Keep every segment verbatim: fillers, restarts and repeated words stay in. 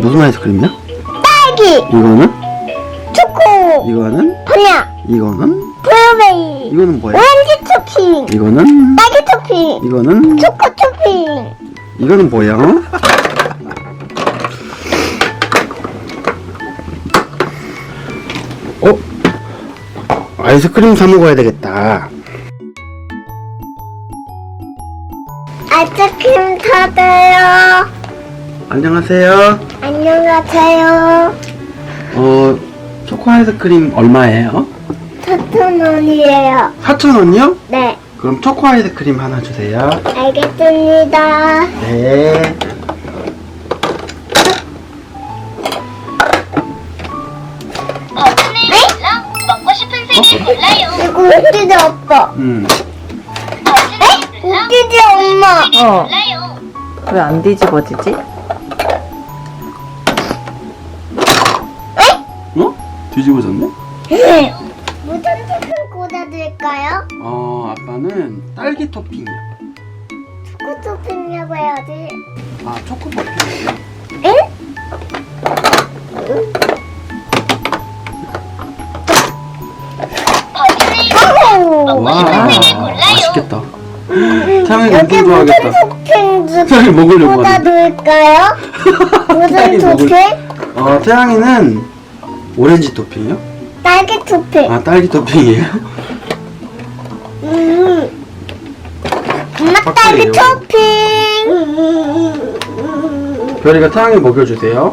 무슨 아이스크림이야? 딸기, 이거는? 초코, 이거는? 바나나, 이거는? 블루베리, 이거는 뭐야? 오렌지 토핑, 이거는? 딸기 토핑, 이거는? 초코 토핑. 이거는 뭐야? 어? 아이스크림 사 먹어야 되겠다. 아이스크림 사줘요. 안녕하세요. 안녕하세요. 어, 초코 아이스크림 얼마예요? 사천 원이에요. 사천 원이요? 네, 그럼 초코 아이스크림 하나 주세요. 알겠습니다. 네. 버튼을 눌러 먹고 싶은 색을 골라요. 이거 웃기지 아빠. 음. 버튼을 눌러 웃기지 엄마. 색을 어. 골라요. 왜 안 뒤집어지지? 어? 뒤집어졌네? 무슨 토핑 꽂아드릴까요? 어, 아빠는 딸기 토핑이요. 초코 토핑이라고 해야지. 아, 초코 토핑이요. 응? 버튼을 오. 와, 색을 골라요. 맛있겠다. 태양이 여기 엄청 무슨 좋아하겠다. 토핑 태양이 먹으려고 하네. 꽂아드릴까요? 무슨 태양이 먹을- 토핑? 어, 태양이는 오렌지 토핑이요? 딸기 토핑. 아, 딸기 토핑이에요? 음. 엄마 확실해요. 딸기 토핑. 별이가 태양이 먹여주세요.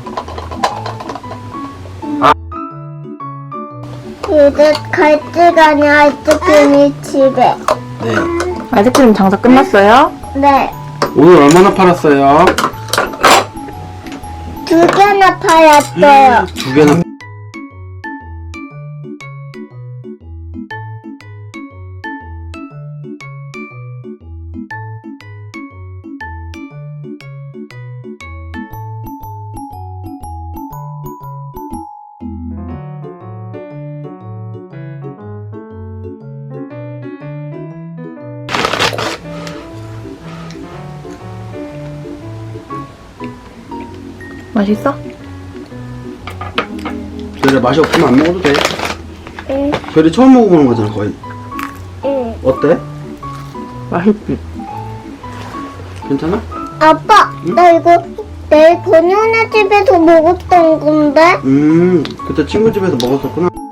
이제 갈 시간이 아이스크림이 집에. 네. 아이스크림 장사 끝났어요? 네. 오늘 얼마나 팔았어요? 두 개나 팔았어요. 두 개나. 맛있어? 별이 맛이 없으면 안 먹어도 돼. 응, 별이 처음 먹어보는 거잖아, 거의. 응. 어때? 맛있지? 괜찮아? 아빠, 나 이거 내일 건우네 집에서 먹었던 건데? 음, 그때 친구 집에서 먹었었구나.